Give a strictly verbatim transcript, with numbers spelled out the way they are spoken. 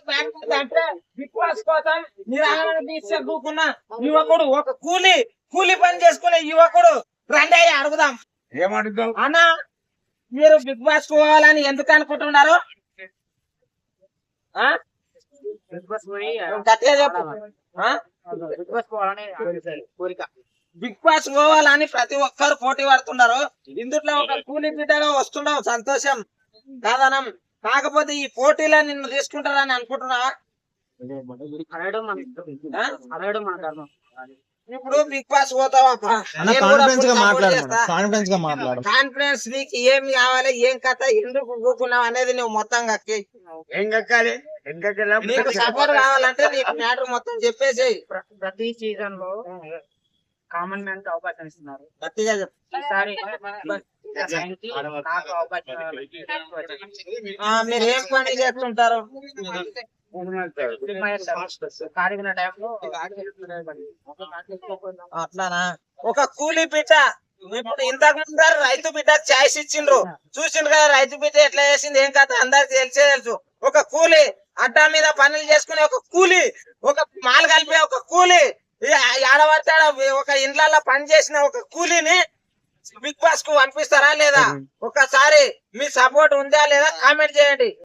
అంటే big boss కోసం నిరాహార దీక్ష కూకున్న యువకుడు ఒక కూలి కూలి పని చేసుకునే యువకుడు రండి అయ్యి అడుగుదాం. ఏమడుగుతావు అన్న మీరు బిగ్ బాస్ పోవాలని ఎందుకు అనుకుంటున్నారు? ఆ? గట్టిగా చెప్పు. ఆ? బిగ్ బాస్ పోవాలని ప్రతి ఒక్కరు పోటీ పడుతున్నారు. ఇందులో ఒక కూలి బిడ్డగా వస్తున్నావు, సంతోషం కాదనం. కాకపోతే ఈ పోటీలో నిన్ను తీసుకుంటారని అనుకుంటున్నావా? ఇప్పుడు బిగ్ బాస్ పోతావా? కాన్ఫిడెన్స్ నీకు ఏం కావాలి, ఏం కథ, ఎందుకు కూకున్నావు అనేది నువ్వు మొత్తం కక్కి ఏం కక్కాలి నీకు సపోర్ట్ కావాలంటే నీకు మ్యాటర్ మొత్తం చెప్పేసేయి. ప్రతి సీజన్ లో కామన్ మ్యాన్ కి అవకాశం ఇస్తున్నారు. గట్టిగా చెప్పు. ఈసారి నాకు అవకాశం మీరు ఏం పని చేస్తుంటారు? కాడిగిన టైంలో అట్లానా? ఒక కూలీ బిడ్డ ఇప్పుడు ఇంతకు ముందు రైతు బిడ్డ ఛాయిస్ ఇచ్చిండ్రు, చూసిండ్రు కదా రైతు బిడ్డ ఎట్లా చేసింది, ఏం కథ అందరికి తెలిసే తెలుసు. ఒక కూలీ అడ్డా మీద పనులు చేసుకునే ఒక కూలీ, ఒక మాలు కలిపే ఒక కూలీ, ఆడబడతాడ ఒక ఇండ్లలో పని చేసిన ఒక కూలీని బిగ్ బాస్ కు పంపిస్తారా లేదా? ఒకసారి మీ సపోర్ట్ ఉందా లేదా కామెంట్ చేయండి.